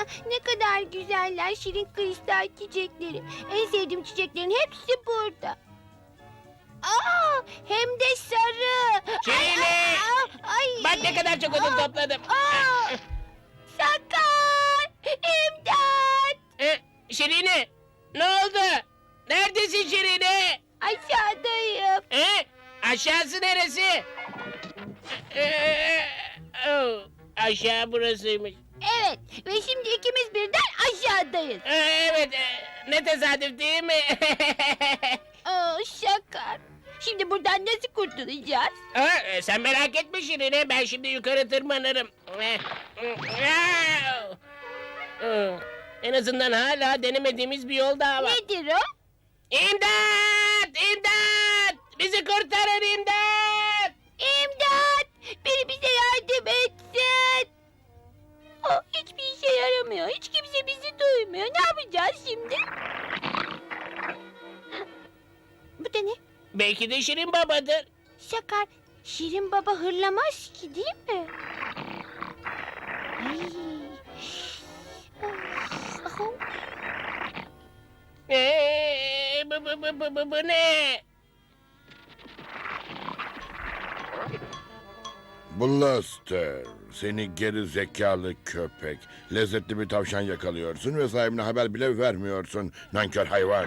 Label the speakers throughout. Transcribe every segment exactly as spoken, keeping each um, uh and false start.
Speaker 1: ne kadar güzeller şirin kristal çiçekleri. En sevdiğim çiçeklerin hepsi burada. Aa, hem de sarı.
Speaker 2: Şirin!
Speaker 1: Ay, ay,
Speaker 2: Bak ne kadar çok odun topladım.
Speaker 1: Aa, Sakar! İmdat!
Speaker 2: Ee, Şirin'e ne oldu? Neredesin Şirin'e?
Speaker 1: Aşağıdayım.
Speaker 2: Ee, aşağısı neresi? Ee, oh, aşağı burasıymış.
Speaker 1: Evet ve şimdi ikimiz birden aşağıdayız.
Speaker 2: Ee, evet, e, ne tesadüf değil mi?
Speaker 1: Aa, Sakar. Şimdi buradan nasıl kurtulacağız?
Speaker 2: Aa, e, sen merak etme Şirin'e, ben şimdi yukarı tırmanırım. Eh, oh, oh. En azından hala denemediğimiz bir yol daha var.
Speaker 1: Nedir o?
Speaker 2: İmdat! İmdat! Bizi kurtarın imdat!
Speaker 1: İmdat! Biri bize yardım etsin. Aa, hiçbir işe yaramıyor. Hiç kimse bizi duymuyor. Ne yapacağız şimdi? Bu da ne?
Speaker 2: Belki de Şirin babadır.
Speaker 1: Sakar, Şirin Baba hırlamaz ki değil mi? Ay. Of, oh.
Speaker 2: Ee, bu, bu, bu, bu, bu, bu ne?
Speaker 3: Blaster, seni geri zekalı köpek. Lezzetli bir tavşan yakalıyorsun ve sahibine haber bile vermiyorsun. Nankör hayvan.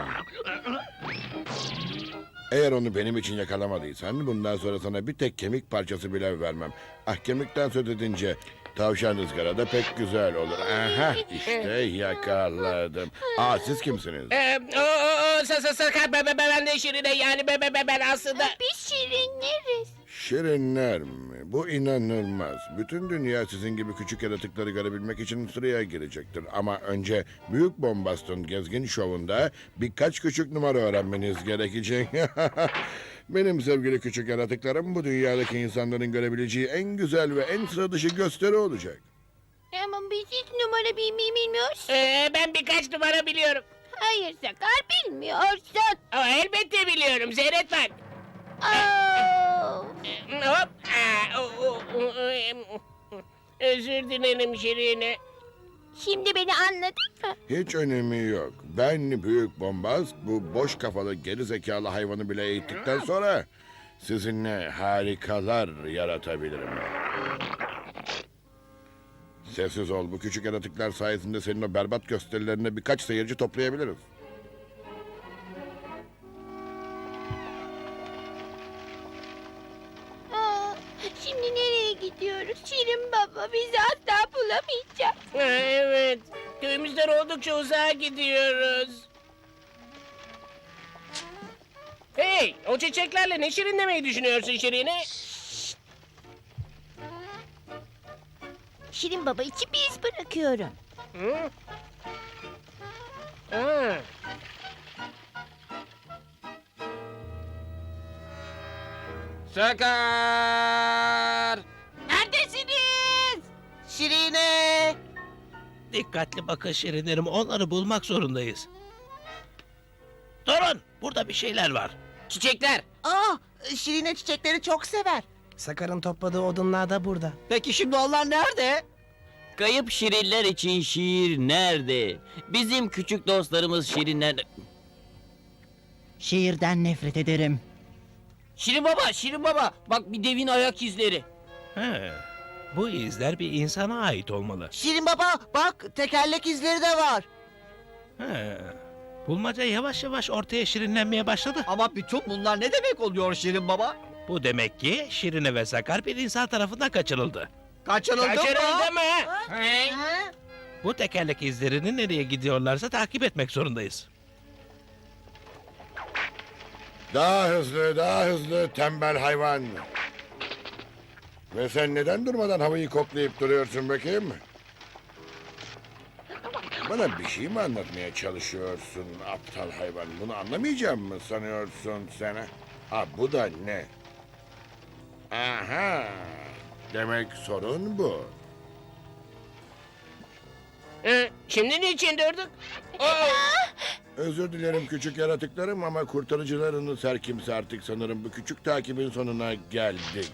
Speaker 3: Eğer onu benim için yakalamadıysan bundan sonra sana bir tek kemik parçası bile vermem. Ah, kemikten söz edince tavşan ızgarada pek güzel olur. Aha, işte yakaladım. Aa, siz kimsiniz?
Speaker 2: Ee, o, o, o, sa, sa, sakar, be, be, be, ben de Şirin'e yani be, be, be, ben aslında...
Speaker 1: Biz şirinleriz.
Speaker 3: Şirinler mi? Bu inanılmaz. Bütün dünya sizin gibi küçük yaratıkları görebilmek için sıraya girecektir. Ama önce Büyük Bombast'ın gezgin şovunda birkaç küçük numara öğrenmeniz gerekecek. Benim sevgili küçük yaratıklarım bu dünyadaki insanların görebileceği en güzel ve en sıra dışı gösteri olacak.
Speaker 1: Ama biz hiç numara bilmeyi bilmiyoruz.
Speaker 2: Ee, ben birkaç numara biliyorum.
Speaker 1: Hayır Sakar, bilmiyorsun.
Speaker 2: Ama elbette biliyorum, seyret bak.
Speaker 1: Aa,
Speaker 2: Ee, Hop. Aa, o, o, o, em, özür dilerim Şirin'e.
Speaker 1: şimdi beni anladın mı?
Speaker 3: Hiç önemi yok. Ben Büyük Bombast bu boş kafalı geri zekalı hayvanı bile eğittikten sonra sizinle harikalar yaratabilirim. Sessiz ol. Bu küçük yaratıklar sayesinde senin o berbat gösterilerine birkaç seyirci toplayabiliriz.
Speaker 1: Aa, şimdi nereye gidiyoruz? Şirin Baba bizi asla bulamayacak.
Speaker 2: Ha, evet, köyümüzden oldukça uzağa gidiyoruz. Hey, o çiçeklerle ne şirinlemeyi düşünüyorsun Şirin'e?
Speaker 1: Şirin Baba için bir iz bırakıyorum.
Speaker 2: Hı? Ha.
Speaker 4: Sakar!
Speaker 1: Neredesiniz?
Speaker 4: Şirine!
Speaker 5: Dikkatli bakın Şirinlerim, onları bulmak zorundayız. Durun, burada bir şeyler var.
Speaker 4: Çiçekler!
Speaker 6: Aa, Şirine çiçekleri çok sever.
Speaker 7: Sakar'ın topladığı odunlar da burada.
Speaker 6: Peki şimdi onlar nerede?
Speaker 4: Kayıp şirinler için şiir nerede? Bizim küçük dostlarımız şirinler...
Speaker 7: Şiirden nefret ederim.
Speaker 4: Şirin baba, Şirin baba! Bak bir devin ayak izleri.
Speaker 5: He, bu izler bir insana ait olmalı.
Speaker 6: Şirin baba bak tekerlek izleri de var.
Speaker 5: He, bulmaca yavaş yavaş ortaya şirinlenmeye başladı.
Speaker 6: Ama bütün bunlar ne demek oluyor Şirin baba?
Speaker 5: Bu demek ki Şirine ve Sakar bir insan tarafından kaçırıldı.
Speaker 6: Kaçırıldı mı?
Speaker 2: Kaçırıldı mı? Hey.
Speaker 6: Ha?
Speaker 5: Bu tekerlek izlerini nereye gidiyorlarsa takip etmek zorundayız.
Speaker 3: Daha hızlı, daha hızlı tembel hayvan. Ve sen neden durmadan havayı koklayıp duruyorsun bakayım? Bana bir şey mi anlatmaya çalışıyorsun aptal hayvan? Bunu anlamayacağım mı sanıyorsun sen? ha? Ha, bu da ne? Aha! Demek sorun bu.
Speaker 2: Ee, şimdi niçin durduk? Oo.
Speaker 3: Özür dilerim küçük yaratıklarım ama kurtarıcılarınız her kimse artık sanırım bu küçük takibin sonuna geldik.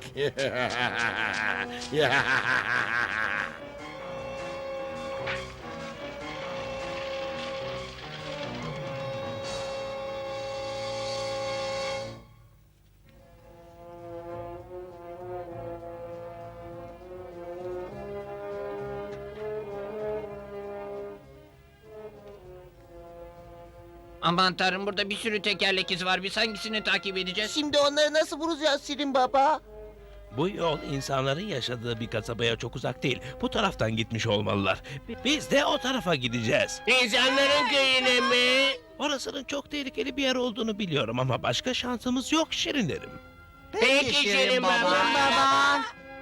Speaker 8: Aman tanrım, burada bir sürü tekerlek izi var. Biz hangisini takip edeceğiz?
Speaker 6: Şimdi onları nasıl bulacağız Şirin Baba?
Speaker 5: Bu yol insanların yaşadığı bir kasabaya çok uzak değil. Bu taraftan gitmiş olmalılar. Bi- Biz de o tarafa gideceğiz.
Speaker 2: İnsanların köyüne mi?
Speaker 5: Orasının çok tehlikeli bir yer olduğunu biliyorum ama başka şansımız yok şirinlerim.
Speaker 2: Peki Şirin Baba.
Speaker 6: Baba.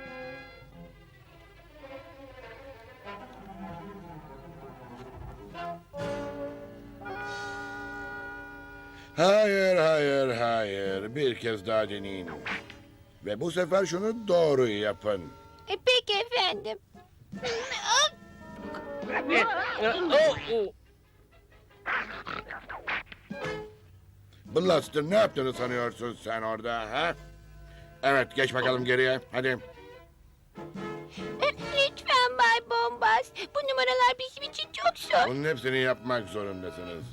Speaker 3: Hayır, hayır, hayır. Bir kez daha deneyin. Ve bu sefer şunu doğru yapın.
Speaker 1: E, peki efendim.
Speaker 2: Oh, oh.
Speaker 3: Blaster, ne yaptığını sanıyorsun sen orada, ha? Evet, geç bakalım geriye. Hadi.
Speaker 1: E, Lütfen Bay Bombas. Bu numaralar bizim için çok zor.
Speaker 3: Bunun hepsini yapmak zorundasınız.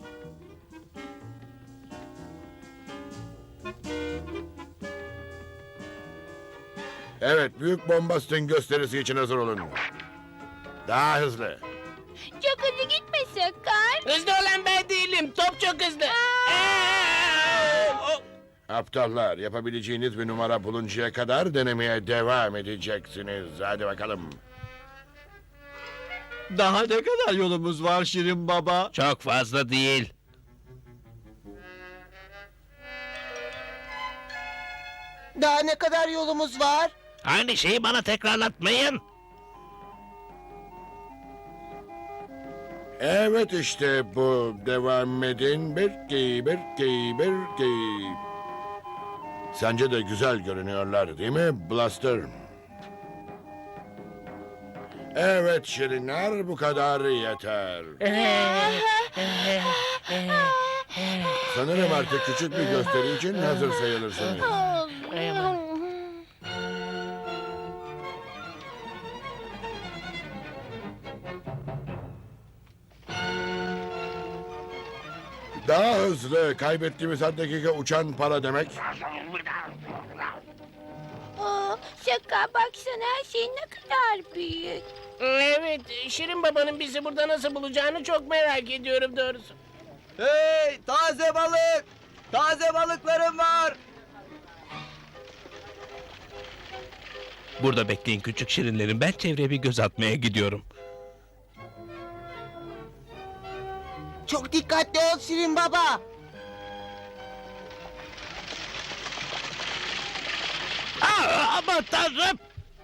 Speaker 3: Evet, büyük bombastın gösterisi için hazır olun. Daha hızlı.
Speaker 1: Çok hızlı gitme Sakar.
Speaker 2: Hızlı olan ben değilim. Top çok hızlı. Aa! Oh.
Speaker 3: Aptallar, yapabileceğiniz bir numara buluncaya kadar denemeye devam edeceksiniz. Hadi bakalım.
Speaker 6: Daha ne kadar yolumuz var Şirin Baba?
Speaker 5: Çok fazla değil.
Speaker 6: Daha ne kadar yolumuz var?
Speaker 5: Aynı şeyi bana tekrarlatmayın.
Speaker 3: Evet işte bu. Devam edin. Birki, birki, birki. Sence de güzel görünüyorlar değil mi Blaster? Evet Şirinler, bu kadar yeter. Sanırım artık küçük bir gösteri için hazır sayılırsınız. Daha hızlı. Kaybettiğimiz her dakika uçan para demek.
Speaker 1: Aa, Sakar baksana, her şey ne kadar büyük.
Speaker 2: Evet, Şirin Baba'nın bizi burada nasıl bulacağını çok merak ediyorum doğrusu.
Speaker 6: Hey, taze balık! Taze balıklarım var!
Speaker 5: Burada bekleyin küçük şirinlerim. Ben çevreye bir göz atmaya gidiyorum.
Speaker 6: Çok dikkatli ol Şirin Baba!
Speaker 5: Aa, aman tanrım!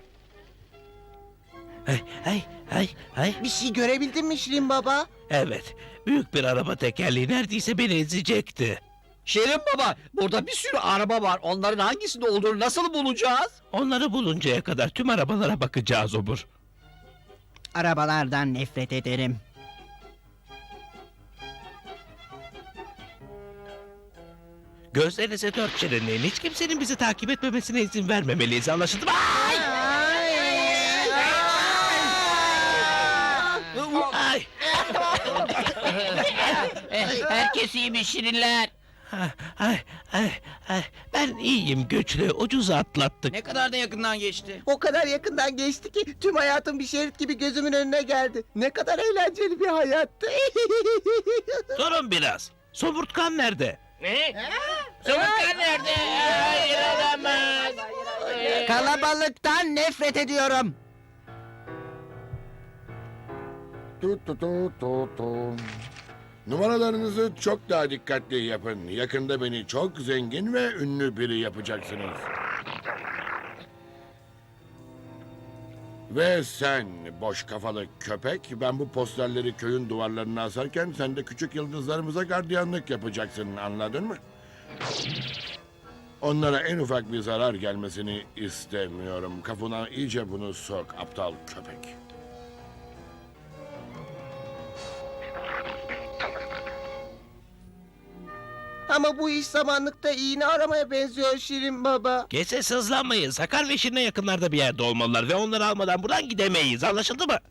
Speaker 5: Ay, ay, ay, ay.
Speaker 6: Bir şey görebildin mi Şirin Baba?
Speaker 5: Evet, büyük bir araba tekerleği neredeyse beni ezecekti.
Speaker 6: Şirin Baba, burada bir sürü araba var. Onların hangisinde olduğunu nasıl bulacağız?
Speaker 5: Onları buluncaya kadar tüm arabalara bakacağız obur.
Speaker 7: Arabalardan nefret ederim.
Speaker 5: Gözlerinize dört şirinleyin. Hiç kimsenin bizi takip etmemesine izin vermemeliyiz, anlaşıldı mı? Ay! Ay!
Speaker 8: Herkes iyi mi Şirinler?
Speaker 5: Ay, ay, ay. Ben iyiyim güçlü, ucuz atlattık.
Speaker 8: Ne kadar da yakından geçti.
Speaker 6: O kadar yakından geçti ki tüm hayatım bir şerit gibi gözümün önüne geldi. Ne kadar eğlenceli bir hayattı.
Speaker 5: Durun biraz. Somurtkan nerede?
Speaker 2: Ne? Somurtkan nerede? Hayır, olamaz.
Speaker 6: Kalabalıktan nefret ediyorum.
Speaker 3: Tut tut tut tut tut. Numaralarınızı çok daha dikkatli yapın. Yakında beni çok zengin ve ünlü biri yapacaksınız. Ve sen boş kafalı köpek, ben bu posterleri köyün duvarlarına asarken sen de küçük yıldızlarımıza gardiyanlık yapacaksın, anladın mı? Onlara en ufak bir zarar gelmesini istemiyorum. Kafana iyice bunu sok, aptal köpek.
Speaker 6: Ama bu iş samanlıkta iğne aramaya benziyor Şirin Baba.
Speaker 5: Geçse sızlanmayın. Sakar ve Şirin'e yakınlarda bir yerde olmalılar ve onları almadan buradan gidemeyiz. Anlaşıldı mı?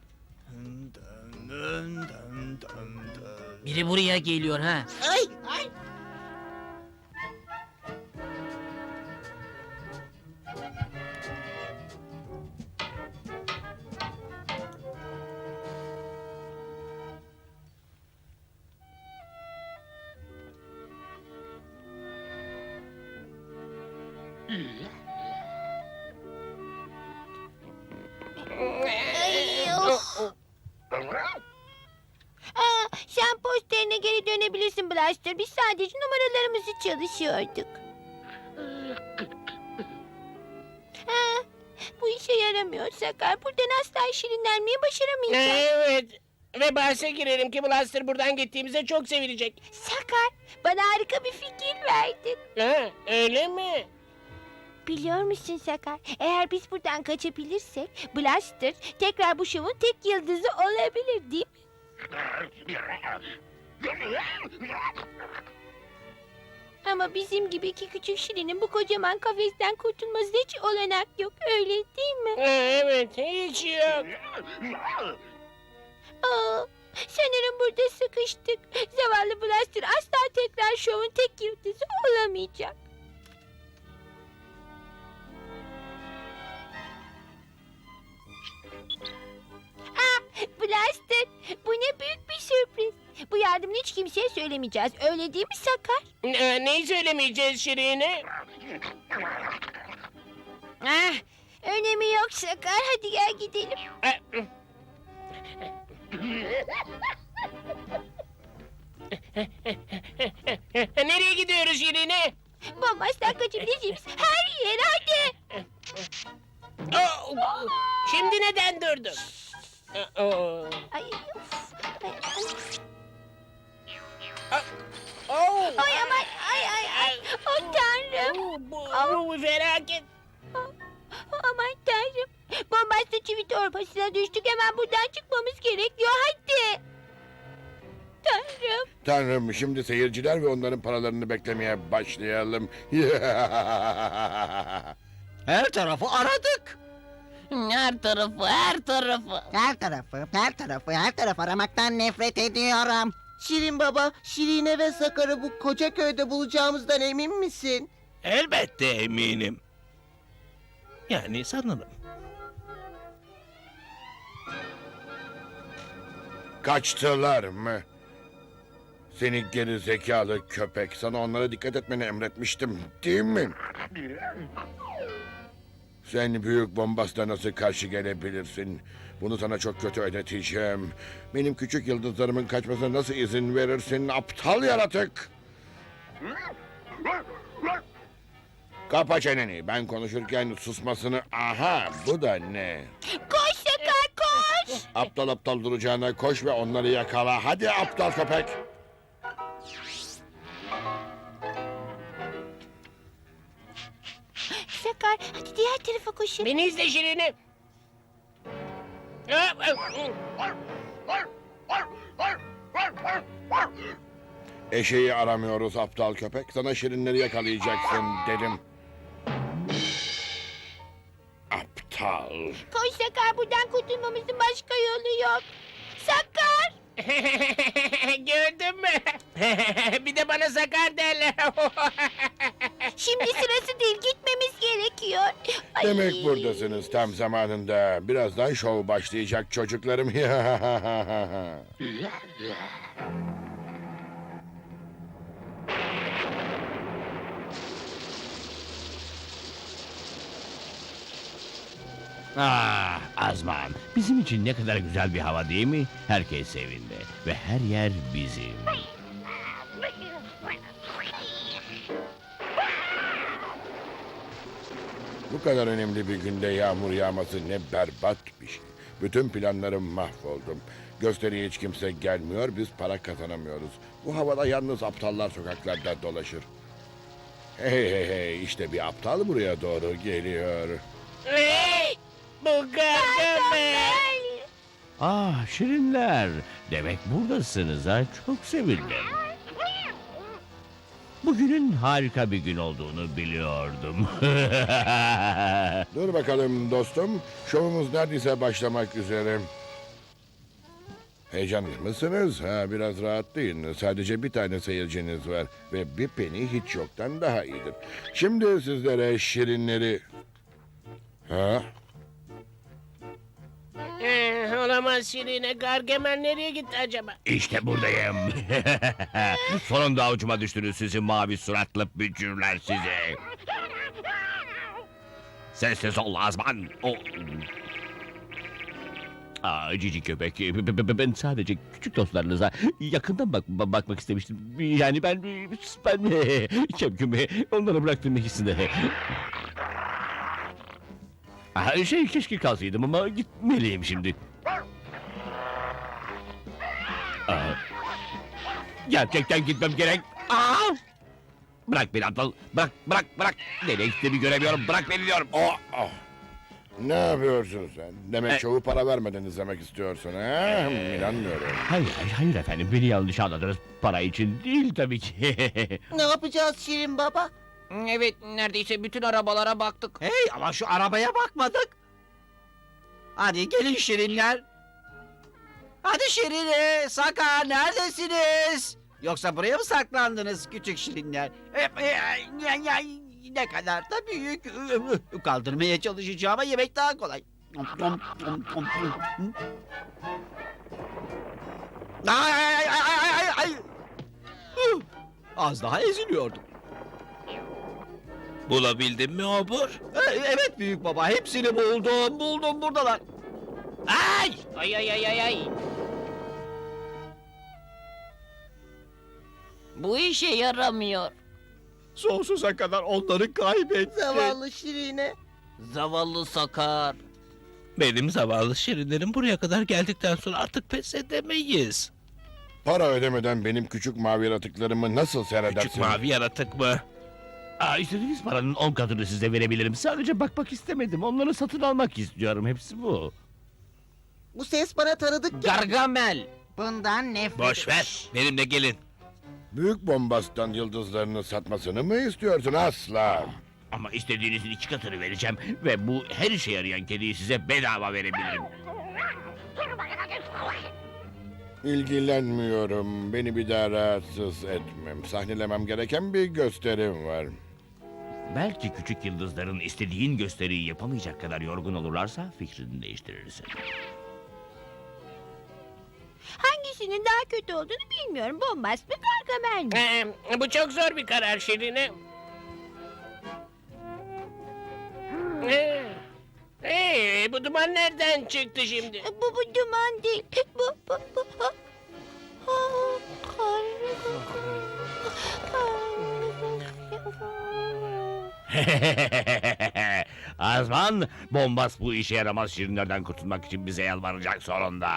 Speaker 8: Biri buraya geliyor ha.
Speaker 6: Ay!
Speaker 1: Ay, of. Aa, sen posterine geri dönebilirsin Blaster. Biz sadece numaralarımızı çalışıyorduk. Ha, bu işe yaramıyor Sakar. Buradan asla şirinlenmeyi başaramayacağız.
Speaker 2: Evet. Ve bahse girelim ki Blaster buradan gittiğimizde çok sevilecek.
Speaker 1: Sakar, bana harika bir fikir verdin.
Speaker 2: Ha, öyle mi?
Speaker 1: Biliyor musun Sakar? Eğer biz buradan kaçabilirsek Blaster tekrar bu şovun tek yıldızı olabilir değil mi? Ama bizim gibi iki küçük şirinin bu kocaman kafesten kurtulması hiç olanak yok. Öyle değil mi?
Speaker 2: Ha, evet, hiç yok.
Speaker 1: Aa, sanırım burada sıkıştık. Zavallı Blaster asla tekrar şovun tek yıldızı olamayacak. Ah, Blaster, bu ne büyük bir sürpriz. Bu yardımını hiç kimseye söylemeyeceğiz. Öyle değil mi Sakar?
Speaker 2: Ne, neyi söylemeyeceğiz Şirin'e?
Speaker 1: Ah, önemi yok Sakar. Hadi gel gidelim.
Speaker 2: Ha, nereye gidiyoruz Şirin'e?
Speaker 1: Bombastan kaçabileceğimiz her yere hadi.
Speaker 2: Oh, şimdi neden durdun? Oh.
Speaker 1: Ay, of. Ay, ay.
Speaker 2: Oh.
Speaker 1: Ay aman, ay ay ay. Oh tanrım.
Speaker 2: Oh, bu, bu bir felaket.
Speaker 1: Aman tanrım. Bombastan çivi torbasına düştük. Hemen buradan çıkmamız gerekiyor. Hadi. Tanrım.
Speaker 3: Tanrım, şimdi seyirciler ve onların paralarını beklemeye başlayalım.
Speaker 6: Her tarafı aradık.
Speaker 4: Her tarafı, her tarafı.
Speaker 9: Her tarafı, her tarafı, her taraf aramaktan nefret ediyorum.
Speaker 6: Şirin baba, Şirine ve Sakar'ı bu koca köyde bulacağımızdan emin misin?
Speaker 5: Elbette eminim. Yani sanırım.
Speaker 3: Kaçtılar mı? Seni geri zekalı köpek. Sana onlara dikkat etmeni emretmiştim, değil mi? Sen büyük bombasla nasıl karşı gelebilirsin? Bunu sana çok kötü ödeteceğim. Benim küçük yıldızlarımın kaçmasına nasıl izin verirsin, aptal yaratık? Kapa çeneni. Ben konuşurken susmasını... Aha, bu da ne?
Speaker 1: Koş Sakar koş.
Speaker 3: Aptal aptal duracağına koş ve onları yakala. Hadi aptal köpek.
Speaker 1: Sakar hadi diğer tarafa koşun.
Speaker 2: Beni izle Şirin'e.
Speaker 3: Eşeği aramıyoruz aptal köpek. Sana şirinleri yakalayacaksın dedim. Aptal.
Speaker 1: Koş Sakar buradan kurtulmamızın başka yolu yok. Sakar.
Speaker 2: Gördün mü? Bir de bana sakar derler.
Speaker 1: Şimdi sırası değil gitmemiz gerekiyor. Ay.
Speaker 3: Demek buradasınız tam zamanında. Birazdan şov başlayacak çocuklarım.
Speaker 10: Ah Azman, bizim için ne kadar güzel bir hava değil mi? Herkes evinde ve her yer bizim.
Speaker 3: Bu kadar önemli bir günde yağmur yağması ne berbat bir şey. Bütün planlarım mahvoldum. Gösteriye hiç kimse gelmiyor, biz para kazanamıyoruz. Bu havada yalnız aptallar sokaklarda dolaşır. Hey hey hey, işte bir aptal buraya doğru geliyor.
Speaker 2: Hey! Bu Gargamel.
Speaker 10: Ah şirinler, demek buradasınız ha, çok sevindim. Bugünün harika bir gün olduğunu biliyordum.
Speaker 3: Dur bakalım dostum, şovumuz neredeyse başlamak üzere. Heyecanlı mısınız? Ha, biraz rahatlayın. Sadece bir tane seyirciniz var ve bir peni hiç yoktan daha iyidir. Şimdi sizlere şirinleri... Ha?
Speaker 2: Ee, olamaz Şirin'e. Gargamel nereye gitti acaba?
Speaker 10: İşte buradayım. Sonunda avucuma düştünüz sizi mavi suratlı bücürler sizi. Sessiz ol Azman. O... Aa, cici köpek. B- b- b- Ben sadece küçük dostlarınıza yakından bak ba- bakmak istemiştim. Yani ben ben Şevkimi onlara bıraktığım ikisini. Aa, şey keşke kalsaydım ama gitmeliyim şimdi. Aa, gerçekten gitmem gerek. Aa! Bırak beni aptal. Bırak, bırak, bırak. Nereye gittiğimi göremiyorum. Bırak beni diyorum. Oh, oh.
Speaker 3: Ne yapıyorsun sen? Demek
Speaker 10: E-
Speaker 3: şovu para vermeden izlemek istiyorsun ha? Hmm, İnanmıyorum.
Speaker 10: Hayır, hayır, hayır efendim. Beni yanlış anladınız. Para için değil tabii ki.
Speaker 6: Ne yapacağız Şirin Baba?
Speaker 8: Evet, neredeyse bütün arabalara baktık.
Speaker 6: Hey ama şu arabaya bakmadık. Hadi gelin Şirinler. Hadi Şirine, Sakar neredesiniz? Yoksa buraya mı saklandınız küçük Şirinler? E, e, ya- ya- Ne kadar da büyük. Kaldırmaya çalışacağım ama yemek daha kolay. Ay ay ay ay ay ay. Huh, Az daha eziliyordum.
Speaker 5: Bulabildin mi obur?
Speaker 6: E, Evet büyük baba hepsini buldum buldum buradalar.
Speaker 8: Ay! Ay ay ay ay ay!
Speaker 4: Bu işe yaramıyor.
Speaker 6: Sonsuza kadar onları kaybettim.
Speaker 7: Zavallı Şirine.
Speaker 4: Zavallı Sakar.
Speaker 5: Benim zavallı şirinlerim buraya kadar geldikten sonra artık pes edemeyiz.
Speaker 3: Para ödemeden benim küçük mavi yaratıklarımı nasıl seyredersin?
Speaker 5: Küçük mavi yaratık mı?
Speaker 10: Aa, istediğiniz paranın on katını size verebilirim. Sadece bakmak istemedim. Onları satın almak istiyorum. Hepsi bu.
Speaker 7: Bu ses bana tanıdık.
Speaker 8: Gargamel!
Speaker 9: Bundan nefret
Speaker 5: Boş ver. Benimle gelin.
Speaker 3: Büyük bombastan yıldızlarını satmasını mı istiyorsun? Asla.
Speaker 10: Ama istediğinizin iki katını vereceğim. Ve bu her işe yarayan kediyi size bedava verebilirim.
Speaker 3: İlgilenmiyorum. Beni bir daha rahatsız etmem. Sahnelemem gereken bir gösterim var.
Speaker 10: Belki küçük yıldızların istediğin gösteriyi yapamayacak kadar yorgun olurlarsa fikrini değiştirirsin.
Speaker 1: Hangisinin daha kötü olduğunu bilmiyorum. Bombast mı Gargamel mi?
Speaker 2: Ee, bu çok zor bir karar Şirine. Ee, ee, bu duman nereden çıktı şimdi?
Speaker 1: Bu bu duman değil. Bu bu bu. Ha, ha,
Speaker 10: Azman, bombas bu işe yaramaz şirinlerden kurtulmak için bize yalvaracak sonunda.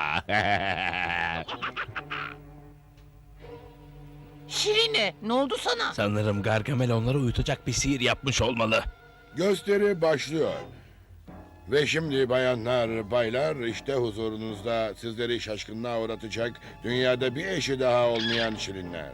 Speaker 8: Şirine, ne oldu sana?
Speaker 5: Sanırım Gargamel onları uyutacak bir sihir yapmış olmalı.
Speaker 3: Gösteri başlıyor. Ve şimdi bayanlar, baylar işte huzurunuzda sizleri şaşkınlığa uğratacak dünyada bir eşi daha olmayan şirinler.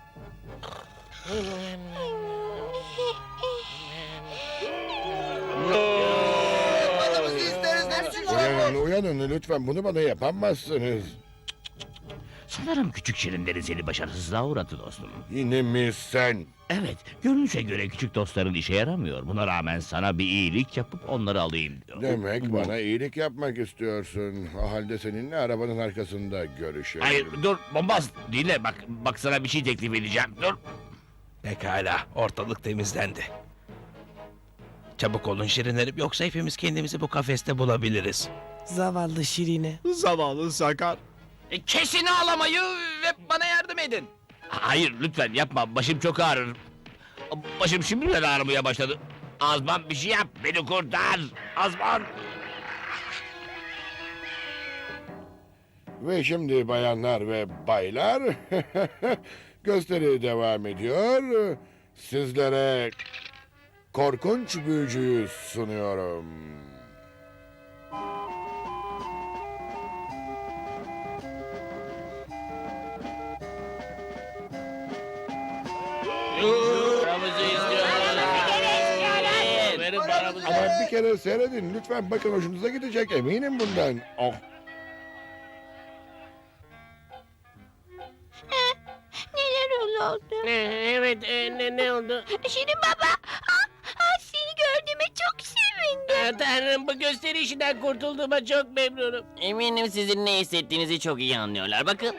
Speaker 3: Uyanın, uyanın lütfen bunu bana yapamazsınız.
Speaker 10: Sanırım küçük şirinlerin seni başarısızlığa uğrattı dostum.
Speaker 3: Yine mi sen?
Speaker 10: Evet, görünüşe göre küçük dostların işe yaramıyor. Buna rağmen sana bir iyilik yapıp onları alayım diyor.
Speaker 3: Demek bana iyilik yapmak istiyorsun. O halde seninle arabanın arkasında görüşelim.
Speaker 10: Hayır, dur, bombaz. Dinle, bak, bak sana bir şey teklif edeceğim. Dur.
Speaker 5: Pekala, ortalık temizlendi. Çabuk olun şirinlerim, yoksa hepimiz kendimizi bu kafeste bulabiliriz.
Speaker 7: Zavallı Şirine.
Speaker 6: Zavallı Sakar.
Speaker 8: E, kesin ağlamayı ve bana yardım edin.
Speaker 10: Hayır, lütfen yapma. Başım çok ağrır. Başım şimdiden ağrımaya başladı. Azman bir şey yap, beni kurtar. Azman.
Speaker 3: Ve şimdi bayanlar ve baylar gösteri devam ediyor. Sizlere korkunç büyücüyü sunuyorum.
Speaker 2: Paramızı istiyoruz. Verin paramızı.
Speaker 3: Ama bir kere seyredin lütfen bakın hoşunuza gidecek eminim bundan. Oh.
Speaker 1: Neler oldu?
Speaker 2: Ee, evet, e, ne, ne oldu?
Speaker 1: Şirin baba. Ah, ah, seni gördüğüme çok sevindim.
Speaker 2: Aa, Tanrım, bu gösteri işinden kurtulduğuma çok memnunum.
Speaker 4: Eminim sizin ne hissettiğinizi çok iyi anlıyorlar. Bakın.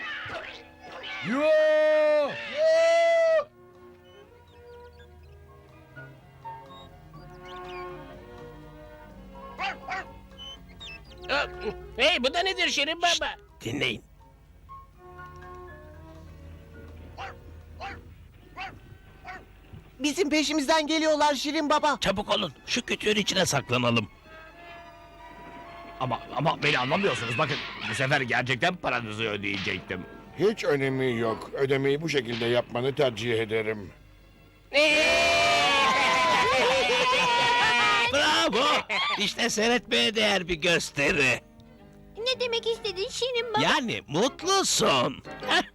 Speaker 2: Hey, bu da nedir Şirin Baba?
Speaker 5: Dinleyin.
Speaker 7: Bizim peşimizden geliyorlar Şirin Baba.
Speaker 5: Çabuk olun. Şu kütüğün içine saklanalım.
Speaker 10: Ama ama beni anlamıyorsunuz. Bakın bu sefer gerçekten paranızı ödeyecektim.
Speaker 3: Hiç önemi yok. Ödemeyi bu şekilde yapmanı tercih ederim.
Speaker 5: Bravo. İşte seyretmeye değer bir gösteri.
Speaker 1: Ne demek istedin Şirin Baba?
Speaker 5: Yani mutlusun. Heh,